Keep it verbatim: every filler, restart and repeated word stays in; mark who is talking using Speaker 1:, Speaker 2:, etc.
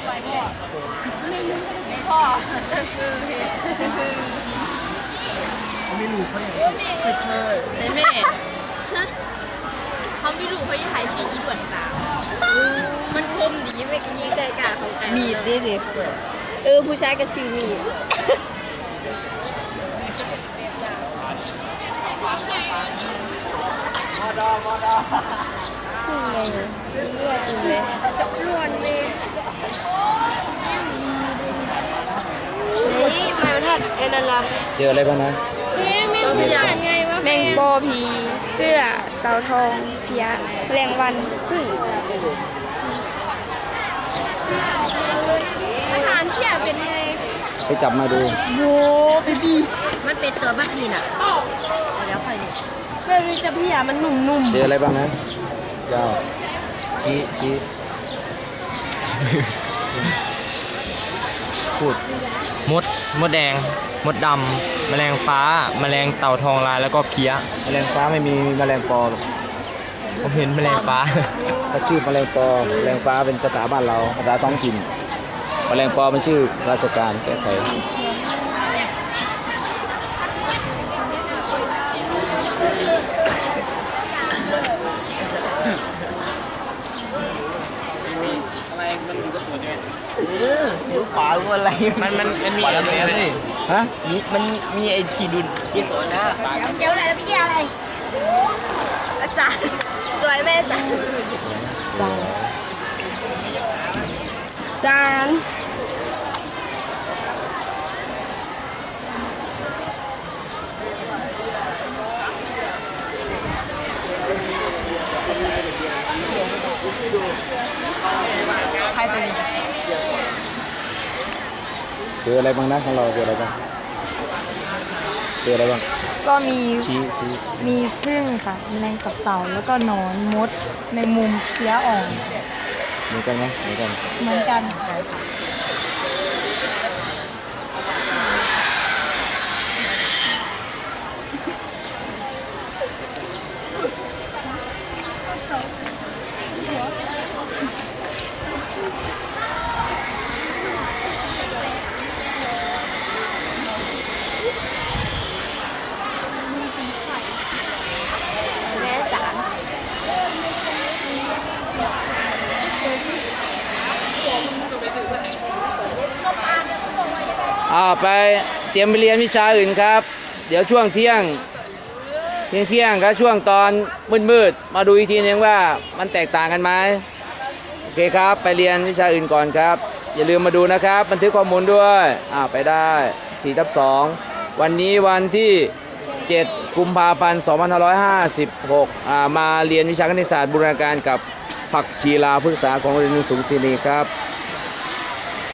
Speaker 1: ไม่พ่อ
Speaker 2: ไม่รู้เขาอย่าง
Speaker 1: ในแม่เขาไม่รู้เขาจะถ่ายชีอีด่วนตามันคมดีไม่กินใจกาของไก่มีดดิดิเออผู้ชายก็ชื่อมีด
Speaker 2: มอดอมอดอ
Speaker 1: เลือดจริงเลยล้วนเลยนี่มาทัดไอ้นั่นล่ะ
Speaker 3: เจออะไรบ้างนะ
Speaker 1: ต้องสยามไงวะแมงโบผีเสื้อเต่าทองเพียแรงวันพึ่งอาหารเที่ยเป็นไง
Speaker 3: ไปจับมาดู
Speaker 1: โว้บีบีมันเป็นตัวบัคทีน่ะเดี๋ยวค่อยดูเวลาจะพี่อ่ะมันหนุ่มๆ
Speaker 3: เจออะไรบ้างนะยาวชี้ชี้พูด
Speaker 4: มดมดแดงมดดำแมลงฟ้าแมลงเต่าทองลายแล้วก็เพี้ย
Speaker 3: แมลงฟ้าไม่มีแมลงปอหรอก
Speaker 4: ผมเห็นแมลงฟ้า
Speaker 3: ถ้าชื่อแมลงปอแมลงฟ้าเป็นภาษาบ้านเราภาษาท้องถิ่นแมลงปอเป็นชื่อราชการแก้ไข
Speaker 2: นิ้วขวาว่าอะไร
Speaker 4: มันมันมันมีอะไรนี่
Speaker 3: ฮะ
Speaker 2: มีมันมีไอ้ทีดุนที่สวนนะ
Speaker 1: เดี๋ยวอะไรแล้วพี่อะไรอาจารย์สวยแม่อาจารย์จาน
Speaker 2: ใครเป็น
Speaker 3: เจออะไรบ้างนะของเราเจออะไรบ้างเจออะไรบ้าง
Speaker 5: ก็มี
Speaker 3: ชี้ชี้
Speaker 5: มีพึ่งค่ะแมลงกับเต่าแล้วก็หนอนมดในมุมเพี้ยอ่อน
Speaker 3: เหมือนกันไหมเหมือนกัน
Speaker 5: เหมือนกัน
Speaker 3: อ่าไปเตรียมไปเรียนวิชาอื่นครับเดี๋ยวช่วงเที่ยงเที่ยงเที่ยงกับช่วงตอนมืดๆมาดูอีกทีนึงว่ามันแตกต่างกันไหมโอเคครับไปเรียนวิชาอื่นก่อนครับอย่าลืมมาดูนะครับบันทึกข้อมูลด้วยอ่าไปได้สี่ทับสองวันนี้วันที่เจ็ดกุมภาพันธ์สองพันห้าร้อยห้าสิบหกอ่ามาเรียนวิชาคณิตศาสตร์บูรณาการกับผักชีลาพฤกษาของโรงเรียนสูงศิริครับ